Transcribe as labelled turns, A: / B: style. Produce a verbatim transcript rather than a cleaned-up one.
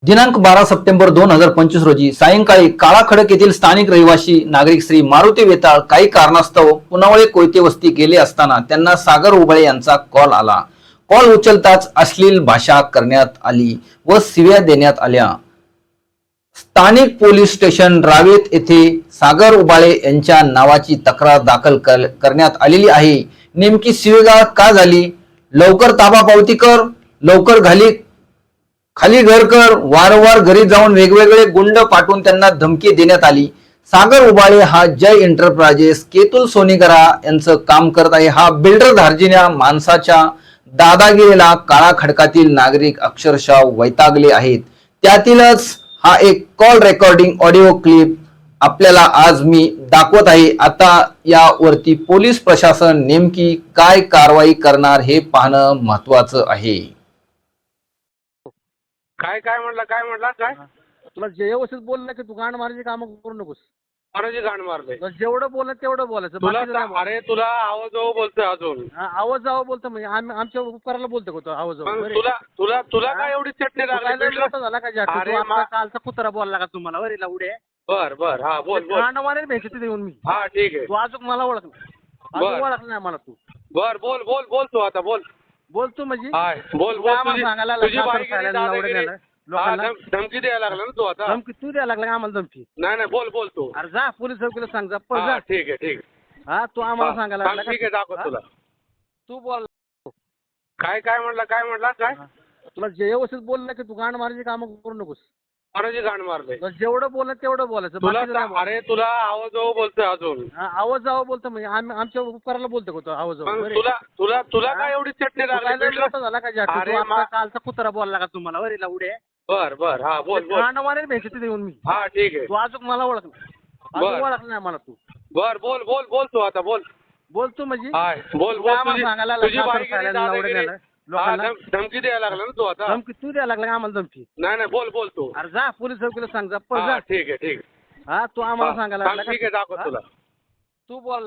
A: दिनांक बारा सप्टेंबर दोन हजार पंचवीस रोजी सायंकाळी काळाखडक येथील स्थानिक रहिवासी नागरिक श्री मारुती वेताळ काही कारणास्तव पुनावळे कोयते वस्ती गेले असताना त्यांना सागर उबाळे यांचा कॉल आला. कॉल उचलताच अश्लील भाषा करण्यात आली व शिव्या देण्यात आल्या. स्थानिक पोलीस स्टेशन रावेत येथे सागर उबाळे यांच्या नावाची तक्रार दाखल करण्यात आलेली आहे. नेमकी शिवीगाळ का झाली? लवकर ताबा पावती कर, लवकर घाली खाली घर कर, वारंवार घरी जाऊन वेगवेगळे गुंड पाठवून त्यांना धमकी देण्यात आली. सागर उबाळे हा जय एंटरप्राइजेस केतुल सोनीकरा यांचं काम करत आहे. हा बिल्डर धार्जिन्या माणसाच्या दादागिरीला काळा खडकातील नागरिक अक्षरशः वैतागले आहेत. त्यातीलच हा एक कॉल रेकॉर्डिंग ऑडिओ क्लिप आपल्याला आज मी दाखवत आहे. आता यावरती पोलीस प्रशासन नेमकी काय कारवाई करणार हे पाहणं महत्वाचं आहे.
B: काय काय म्हटलं काय म्हटलं काय
C: तुला जे व्यवस्थित बोललं की तू गांड मारायची कामं करू नकोस.
B: महाराजी गाण मारले
C: तुला जेवढं बोललं तेवढं बोलायचं.
B: तुला
C: बाकीचं नाही
B: तर- अरे तुला आवाज जाऊ बोलतोय अजून
C: बोलायचं. हा, आवाज जावं बोलतो म्हणजे आम्ही आमच्या उपकाराला बोलतो का तो आवाज जावं?
B: मग
C: बरे.
B: तुला तुला तुला
C: हा?
B: काय एवढी चटणी
C: तू काय लय
B: लागली
C: मोठा झाला का जास्त?
B: अरे
C: तू आता
B: मा-
C: कालचा कुत्रा बोलला का तुम्हाला वरीला उडे?
B: बर बर हा बोल बोल
C: गांड मारेल भेटते तिथे येऊन मी.
B: हा ठीक आहे
C: तू अजून मला ओळख अजून
B: बरं.
C: ओळखलं नाही मला. तू
B: बर बोल बोल बोल तू आता बोल
C: बोलतो म्हणजे
B: हाय बोल
C: तू
B: बोल
C: आम्हाला
B: तुझी
C: सांगायला
B: तुझी
C: लागला,
B: बाईगिरी,
C: सासर सायला
B: दादागिरी.
C: एवढं नेलं.
B: हा,
C: लोकांना
B: धम- धमकी द्यायला लागला ना तू आता
C: धमकी तू द्यायला लागला का आम्हाला धमकी?
B: नाही नाही बोल बोल तू
C: अरे जा पोलीस चौकीला सांग जा पळ
B: हा
C: जा.
B: ठीक आहे ठीक आहे
C: हा तू आम्हाला
B: हा,
C: सांगायला
B: सांग,
C: लागला
B: ठीक आहे
C: का?
B: दाखव
C: हा?
B: तुला
C: तू बोल.
B: काय काय म्हटलं काय म्हटलं काय
C: तुला जे व्यवस्थित बोललं की तू गांड मारायची कामं करू नकोस.
B: महाराजी गाण मारले
C: तुला जेवढं बोललं तेवढं बोलायचं.
B: तुला
C: बाकीचं नाही
B: तर- अरे तुला आवाज जाऊ बोलतोय अजून
C: बोलायचं. हा, आवाज जावं बोलतो म्हणजे आम्ही आमच्या उपकाराला बोलतो का तो आवाज जावं?
B: मग
C: बरे.
B: तुला तुला तुला
C: हा?
B: काय एवढी चटणी
C: तू काय लय
B: लागली
C: मोठा झाला का जास्त?
B: अरे
C: तू आता
B: मा-
C: कालचा कुत्रा बोलला का तुम्हाला वरीला उडे?
B: बर बर हा बोल बोल
C: गांड मारेल भेटते तिथे येऊन मी.
B: हा ठीक आहे
C: तू अजून मला ओळख अजून
B: बरं.
C: ओळखलं नाही मला. तू
B: बर बोल बोल बोल तू आता बोल
C: बोलतो म्हणजे
B: हाय बोल
C: तू
B: बोल
C: आम्हाला
B: तुझी
C: सांगायला
B: तुझी
C: लागला, सासर
B: बाईगिरी,
C: सायला एवढं
B: दादागिरी.
C: नेलं.
B: हा,
C: लोकांना
B: धम- धमकी द्यायला लागला ना तू आता
C: धमकी तू द्यायला लागला का आम्हाला धमकी?
B: नाही नाही बोल बोल तू
C: अरे जा पोलीस चौकीला सांग जा पळ
B: हा
C: जा.
B: ठीक आहे ठीक आहे
C: हा तू आम्हाला
B: हा,
C: सांगायला
B: सांग,
C: लागला
B: ठीक आहे
C: का?
B: दाखव
C: हा?
B: तुला
C: तू बोल.